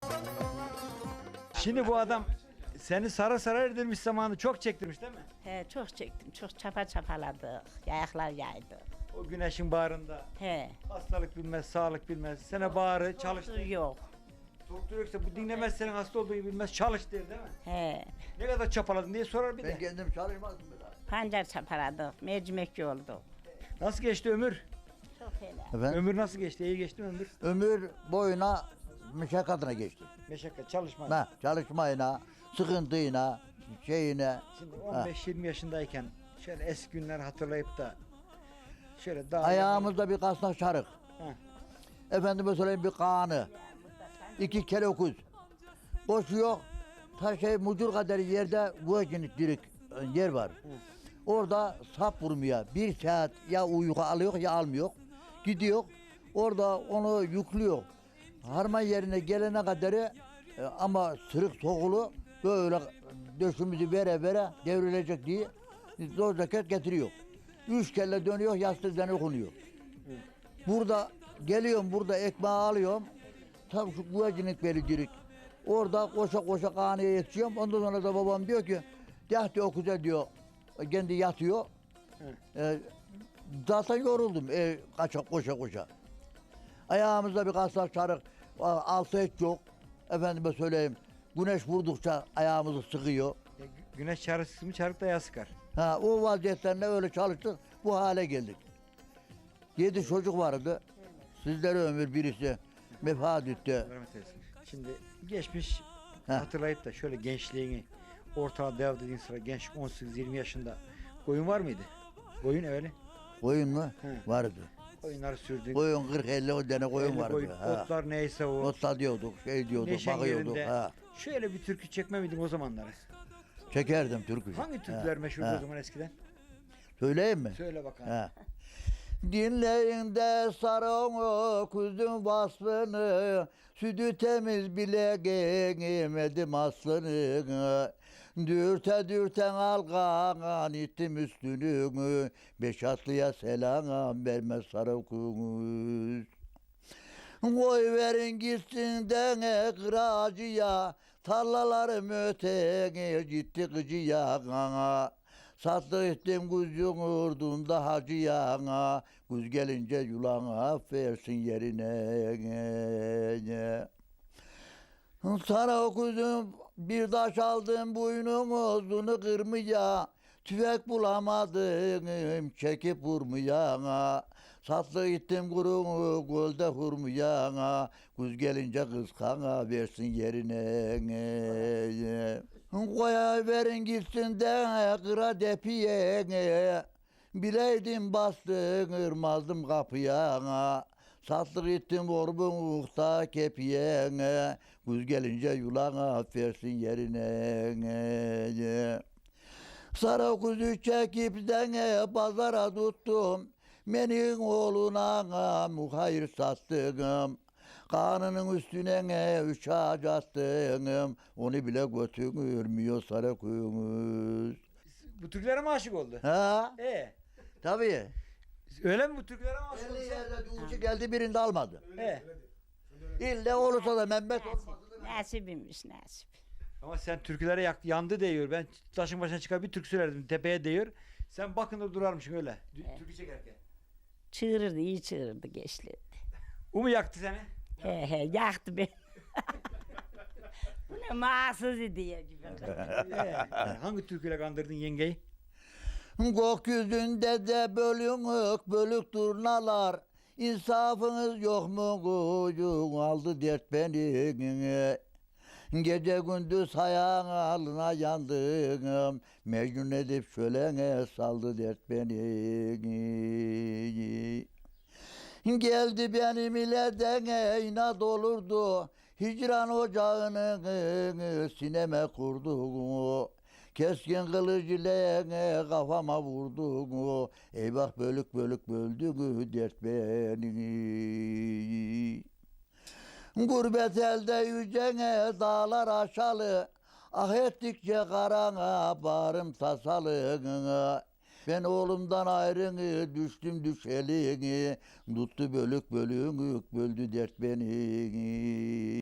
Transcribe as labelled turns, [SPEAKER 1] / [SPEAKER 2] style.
[SPEAKER 1] Şimdi bu adam seni sarı sarı erdirmiş zamanı çok çektirmiş değil mi?
[SPEAKER 2] He, çok çektim, çok çapaladık, yayaklar yaydı.
[SPEAKER 1] O güneşin bağrında.
[SPEAKER 2] He.
[SPEAKER 1] Hastalık bilmez, sağlık bilmez. Sana bağrı çalıştı.
[SPEAKER 2] Yok.
[SPEAKER 1] Doktor yoksa bu dinlemez senin hasta olduğunu bilmez, çalış der değil mi?
[SPEAKER 2] He.
[SPEAKER 1] Ne kadar çapaladın diye sorar bir
[SPEAKER 3] Ben
[SPEAKER 1] de.
[SPEAKER 3] kendim çalışmazdım biraz.
[SPEAKER 2] Pancar çapaladık, mercimekçi oldu.
[SPEAKER 1] Nasıl geçti ömür?
[SPEAKER 2] Çok helal.
[SPEAKER 3] Efendim?
[SPEAKER 1] Ömür nasıl geçti? İyi geçti mi ömür?
[SPEAKER 3] Ömür boyuna meşakkatine geçti.
[SPEAKER 1] Meşakkat, çalışma.
[SPEAKER 3] Ha, çalışmayına, sıkıntıyla, şeyine.
[SPEAKER 1] Şimdi 15-20 yaşındayken şöyle eski günler hatırlayıp da şöyle daha...
[SPEAKER 3] Ayağımızda bir kasnak çarık.
[SPEAKER 1] Ha.
[SPEAKER 3] Efendime söyleyeyim bir kanı. 2 kere okuz. Koşuyor. Ta mucur kadar yerde güvecinlik dirik yer var. Orada sap vurmuyor. 1 saat ya uyku alıyor ya almıyor. Gidiyor. Orada onu yüklüyor. Harman yerine gelene kadar ama sırık sokulu böyle döşümüzü vere devrilecek diye zor ceket getiriyor. 3 kere dönüyor, yastık üzerine konuyor. Burada geliyorum, burada ekmeği alıyorum. Tam şu güvecinik vericilik. Orada koşa kanıya yetişiyorum. Ondan sonra da babam diyor ki, "Deh diyor güzel diyor." Kendi yatıyor. Zaten yoruldum koşa. Ayağımızda bir kasnak çarık, altı hiç yok. Efendime söyleyeyim, güneş vurdukça ayağımızı sıkıyor.
[SPEAKER 1] Güneş çarısı mı çarık da yağ sıkar.
[SPEAKER 3] Ha, o vaziyetlerinde öyle çalıştık, bu hale geldik. 7 çocuk vardı. Sizlere ömür birisi vefat etti.
[SPEAKER 1] Rahmet eylesin. Şimdi geçmiş
[SPEAKER 3] Ha.
[SPEAKER 1] hatırlayıp da şöyle gençliğini ortalığa dev dediğin sıra genç 18-20 yaşında koyun var mıydı? Koyun öyle.
[SPEAKER 3] Koyun mu?
[SPEAKER 1] He.
[SPEAKER 3] Vardı.
[SPEAKER 1] Koyunları sürdük.
[SPEAKER 3] Koyun 40-50 tane koyun
[SPEAKER 1] Elli
[SPEAKER 3] vardı. Ha.
[SPEAKER 1] Otlar neyse o.
[SPEAKER 3] Otla diyorduk, diyorduk,
[SPEAKER 1] Neşen
[SPEAKER 3] bakıyorduk.
[SPEAKER 1] yerinde.
[SPEAKER 3] Ha.
[SPEAKER 1] Şöyle bir türkü çekme miydin o zamanları?
[SPEAKER 3] Çekerdim türkü.
[SPEAKER 1] Hangi türküler meşhurdu o zaman eskiden?
[SPEAKER 3] Söyleyeyim mi?
[SPEAKER 1] Söyle bakalım.
[SPEAKER 3] Ha. Dinleyin de sarı kuzun vasfını, sütü temiz bile giyemedim aslını. Dürte algan ittim üstünü, 5 atlıya selam vermez sarı kuz. Koy verin gitsin de kıracıya, tarlalarım öteye gitti gıcıya. Sattık ettim kuzun urdunda hacıya, kuz gelince yulana versin yerine. Sana kuzum bir taş aldım boynumuzunu kırmaya, tüfek bulamadım çekip vurmaya. Sattık gittim kurumu gölde hurmaya, kuz gelince kıskana versin yerine. Koya verin gitsin de kıra depiye, bileydim bastın kırmazdım kapıya. Sattık ettim orbun uğta kepiye, kuz gelince yulana versin yerine. Sarı kuzu çekip de pazara tuttum, benim oğluna muhayir sattım. Kanının üstüne 3 ağaç attım, onu bile götürmüyor sarı kuyumuz.
[SPEAKER 1] Bu türkülere mi aşık oldu?
[SPEAKER 3] Ha? Tabii.
[SPEAKER 1] Öyle mi bu türkülere mi aşık oldu?
[SPEAKER 3] 50 yerde uçu geldi birinde almadı.
[SPEAKER 1] He.
[SPEAKER 3] İlle olursa da Mehmet olmaz.
[SPEAKER 2] Nasibimmiş nasip.
[SPEAKER 1] Ama sen türkülere yandı diyor. Ben taşın başına çıkar bir türkü söylerdim tepeye diyor. Sen bakınır durarmışsın öyle. Türkü çekerken.
[SPEAKER 2] Çığırırdı, iyi çığırırdı gençliği.
[SPEAKER 1] O mu yaktı seni?
[SPEAKER 2] He, yaktı beni. Bu ne mahsız diye gibi.
[SPEAKER 1] Hangi türküyle kandırdın yengeyi?
[SPEAKER 3] Gökyüzünde de bölük turnalar, insafınız yok mu kuyun aldı dert beni. Gece gündüz hayalına yandım, Mecnun edip şölene saldı dert beni. Geldi benim ile de inat olurdu, hicran ocağını sineme kurdu. Keskin kılıç ile kafama vurdu, eyvah bölük böldü dert beni. Gurbet elde yücene dağlar aşalı, ah ettikçe karana bağrım tasalı. Ben oğlumdan ayrını düştüm düşeli, tuttu bölük böldü dert beni.